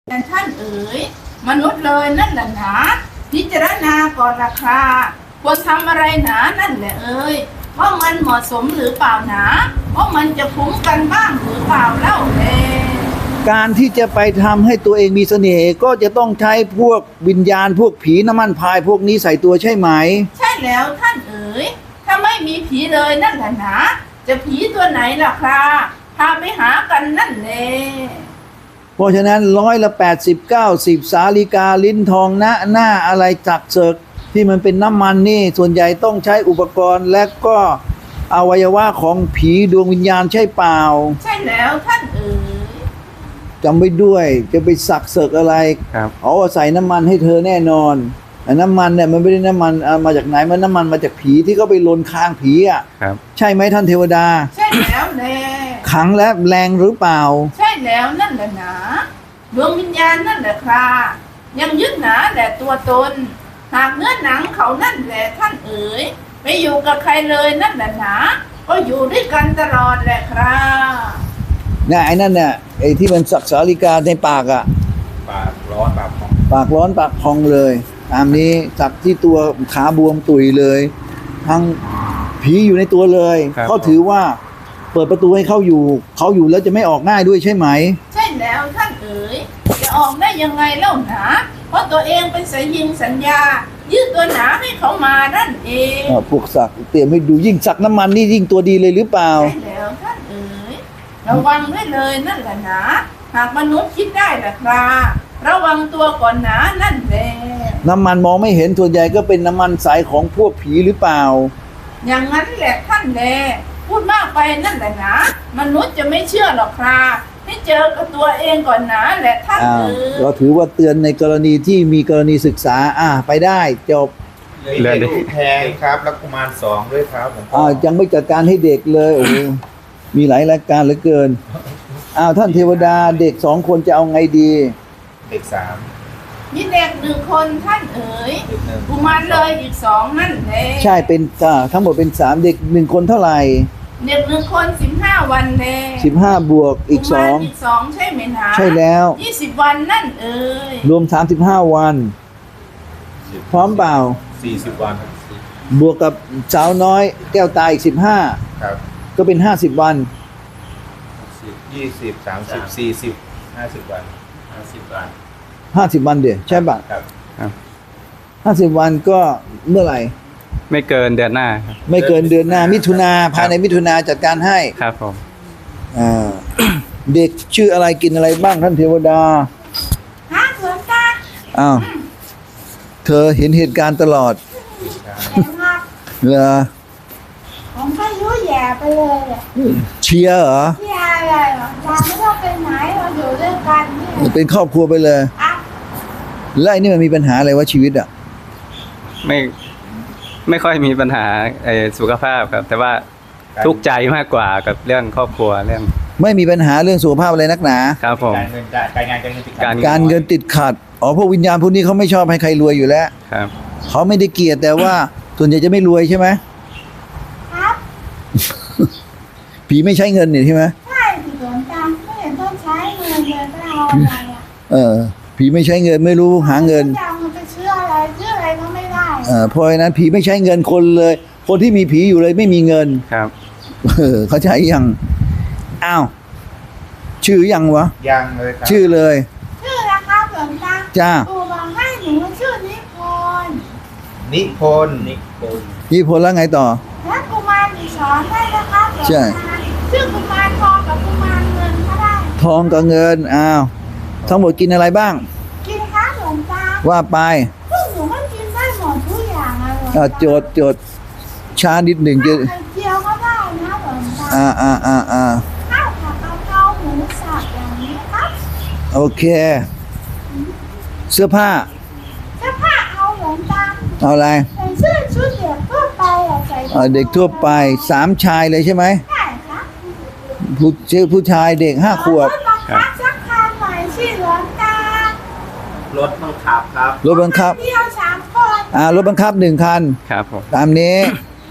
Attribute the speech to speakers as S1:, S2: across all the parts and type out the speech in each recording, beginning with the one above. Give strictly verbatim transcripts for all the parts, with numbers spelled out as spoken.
S1: แต่ท่านเอ๋ยมนุษย์เลยนั่นแหละหนาพิจารณาก่อนราคาควรทำอะไรหนานั่นแหละเอ๋ยว่ามันเหมาะสมหรือเปล่าหนาว่ามันจะคุ้มกันบ้างหรือเปล่าเล่าแล
S2: การที่จะไปทำให้ตัวเองมีเสน่ห์ก็จะต้องใช้พวกวิญญาณพวกผีน้ำมันพายพวกนี้ใส่ตัวใช่ไหม
S1: ใช่แล้วท่านเอ๋ยถ้าไม่มีผีเลยนั่นแหละหนาจะผีตัวไหนล่ะครับพาไปหากันนั่นแหละ
S2: เพราะฉะนั้นร้อยละแปดสิบเก้าสิบสาลิกาลิ้นทองหน้าหน้าอะไรจักเสกที่มันเป็นน้ำมันนี่ส่วนใหญ่ต้องใช้อุปกรณ์และก็อวัยวะของผีดวงวิญญาณใช่เปล่า
S1: ใช่แล้วท่านเอ๋ย
S2: จำไว้ด้วยจะไปสักเสกอะไร
S3: ครับ
S2: เอาใส่น้ำมันให้เธอแน่นอนแต่น้ำมันเนี่ยมันไม่ได้น้ำมันมาจากไหนมันน้ำมันมาจากผีที่เขาไปลนคางผีอ่ะ
S3: ครับ
S2: ใช่ไหมท่านเทวดา
S1: ใช่แล้วแน่
S2: ขังและแรงหรือเปล่า
S1: ใช่แล้วนั่นแหละหนาดวงวิญญาณนั่นแหละครับยังยึดหนาแหละตัวตนหากเนื้อหนังเขานั่นแหละท่านเอ๋ยไม่อยู่กับใครเลยนั่นแหละหนาก็อยู่ด้วยกันตลอดแหละครับ
S2: เนี่ยไอ้นั่นเนี่ยไอ้ที่มันสักสาลิกาในปากอ่ะ
S3: ปากร้อนปากพอง
S2: ปากร้อนปากพองเลยตามนี้สักที่ตัวขาบวมตุยเลยทั้งผีอยู่ในตัวเลยเขาถือว่าเปิดประตูให้เขาอยู่เขาอยู่แล้วจะไม่ออกง่ายด้วยใช่ไหม
S1: ใช่แล้วท่านเอ๋ยจะออกได้ยังไงเล่าหนาเพราะตัวเองเป็นสายยิงสัญญายืดตัวหนาให้เขามานั่นเอง
S2: พวกสักเตรียมให้ดูยิ่งสักน้ำมันนี่ยิ่งตัวดีเลยหรือเปล่า
S1: ใช่แล้วท่านเอ๋ยระวังได้เลยนั่นแหละหนาหากมนุษย์คิดได้แหละครับระวังตัวก่อนหนานั่นแหละ
S2: น้ำมันมองไม่เห็นส่วนใหญ่ก็เป็นน้ำมันสายของพวกผีหรือเปล่า
S1: อย่างนั้นแหละท่านแลพูดมากไปนั่นแหละนะมนุษย์จะไม่เชื่อหรอกครับให้เจอกับตัวเองก่อนนะแหละท่านเออ
S2: เราถือว่าเตือนในกรณีที่มีกรณีศึกษาอ่าไปได้จบ
S3: เหลือเด็กแพงครับแล้วกุมารสองด้วยครับผม
S2: อ่ายังไม่จัดการให้เด็กเลยโอ้มีหลายรายการเหลือเกินอ้าวท่านเทวดาเด็กสองคนจะเอาไงดี
S3: เด็กสาม
S1: มีเด็กหนึ่งคนท่านเอ๋ยกุมารเลยอีกสองนั่นแหละ
S2: ใช่เป็นทั้งหมดเป็นสามเด็กหนึ่งคนเท่าไหร่
S1: เด็กหนึ่งคนสิบห้าวันแน่
S2: สิบห้าบวกอีกสอง
S1: อีกสองใช่ไหมนะ
S2: ใช่แล้ว
S1: ยี่สิบวันนั่นเอ๋ย
S2: รวมสามสิบห้าวันพร้อมเปล่า
S3: สี่สิบวัน
S2: บวกกับสาวน้อยแก้วตาอีกสิบห้า
S3: ครับ
S2: ก็เป็นห้าสิบวัน
S3: ยี่สิบสามสิบสี่สิบห้าสิบวันห้าสิบวัน
S2: ห้าสิบวันเดี๋ยวใช่ป่ะ
S3: ครับ
S2: ห้าสิบวันก็เมื่อไหร่
S3: ไม่เกินเดือนหน้าครับ
S2: ไม่เกินเดือนหน้ามิถุนาภายในมิถุนาจัดการให้
S3: ครับผม
S2: อ่าเด็กชื่ออะไรกินอะไรบ้างท่านเทวดา
S1: ฮะหลวงตา
S2: อ้าวเธอเห็นเหตุการณ์ตลอดเหรอ
S1: ผมไม่รู้แย่ไปเลย
S2: เชียร์เหรอ
S1: เชียร์เลยหรอเราไม่ต้องไปไหนเราอยู่ด้วยกันนี่
S2: เป็นครอบครัวไปเลยแล้วไอ้นี่มันมีปัญหาอะไรวะชีวิตอ่ะ
S3: ไม่ไม่ค่อยมีปัญหาไอ้สุขภาพครับแต่ว่าทุกข์ใจมากกว่ากับเรื่องครอบครัวเรื่อง
S2: ไม่มีปัญหาเรื่องสุขภาพอะไรนักหนา
S3: ครับผม
S4: การเงินการงานการเงินติดขัด
S2: การเงินติดขัดอ๋อพวกวิญญาณพวกนี้เขาไม่ชอบให้ใครรวยอยู่แล้ว
S3: ครับ
S2: เขาไม่ได้เกลียดแต่ว่าส่วนใหญ่จะไม่รวยใช่ไหม
S1: ครับ
S2: ผีไม่ใช้เงินนี่ใช่ไหม
S1: ใช่ผีหลวงตาไม่เห็นต้องใช้เงินเลยก็เอาอะไรอ่ะ
S2: เออผีไม่ใช้เงินไม่รู้หาเงิน
S1: มันจะเชื่ออะไรเชื่ออะไรก็ไม่ได้
S2: เออเพราะฉะนั้นผีไม่ใช้เงินคนเลยคนที่มีผีอยู่เลยไม่มีเงิน
S3: ครับ
S2: เออเขาใช้ยังอ้าวชื่อยังวะ
S3: ยังเลยครับ
S2: ชื่อเลย
S1: ชื่อนะครับหลวงตา
S2: จ้า
S1: ปู่บอกให้หนูชื่อนิพนธ์
S3: นิพนธ์นิพนธ์
S2: นิพนธ์แล้วไงต่อ
S1: แล้วกุมารอีกสองได้นะครับหลวงตาชื่อกุมารทองกับกุมารเงินก็ได้
S2: ทองกับเงินอ้าวทั้งหมดกินอะไรบ้าง
S1: กินครับหลวงตา
S2: ว่าไป
S1: พวกหนูก็กินได้หมดทุกอย่างอะหลวงตา
S2: โจทย์โจทย์ช้านิดหนึ่งจะ
S1: ไข่เจียวก็ได้นะหลวงตา
S2: อ่าอ่าอ่าอ่า
S1: ข้าวผัดกะเพราหมูสับอย่างนี้ครับ
S2: โอเคเสื้อผ้า
S1: เสื้อผ้าเอาหลวงตา
S2: เอาอะไร
S1: ใส่เสื้อชุดเด็กทั่วไปอะใส่
S2: เด็กทั่วไปสามชายเลยใช่ไหม
S1: ใช่ครับ
S2: ผู้ชื่อผู้ชายเด็กห้าขวบ
S1: ครับสักคันหน่อยสิหลวงตาร
S3: ถบังคับครับ
S2: รถบังคับ
S1: เดียวสามคน
S2: อ่ารถบังคับหนึ่งคัน
S3: ครับผม
S2: ตามนี้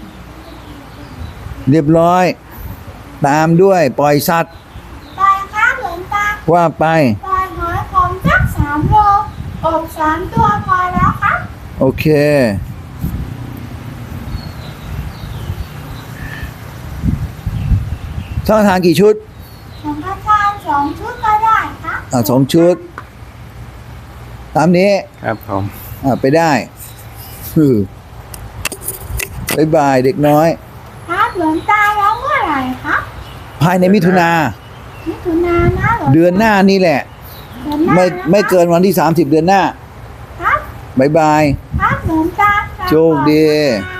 S2: เรียบร้อยตามด้วยปล่อยสัตว์
S1: ปล่อยครับหลวงตา
S2: ว่าไป
S1: ปล่อยหอยขมสักสามโลอบสามตัวพอแล้วครับ
S2: โอเคสังฆทานกี่ชุด
S1: สังฆทานสองชุดก็ได้ครับ
S2: อ่าสองชุด ตามนี้
S3: ครับผม
S2: อ่าไปได้อือบ๊ายบายเด็กน้อย
S1: ครับหลวงตาแล้วเมื่อไหร่ครับ
S2: ภายในมิถุนา
S1: มิถุนายนนะหลวงตา
S2: เดือนหน้านี่แหละ
S1: เดือนหน้า
S2: ไม่
S1: นะครับ
S2: ไม่เกินวันที่สามสิบเดือนหน้า
S1: ครับ
S2: บ๊ายบาย
S1: ครับหลวงตา
S2: โชคดี
S1: ครับ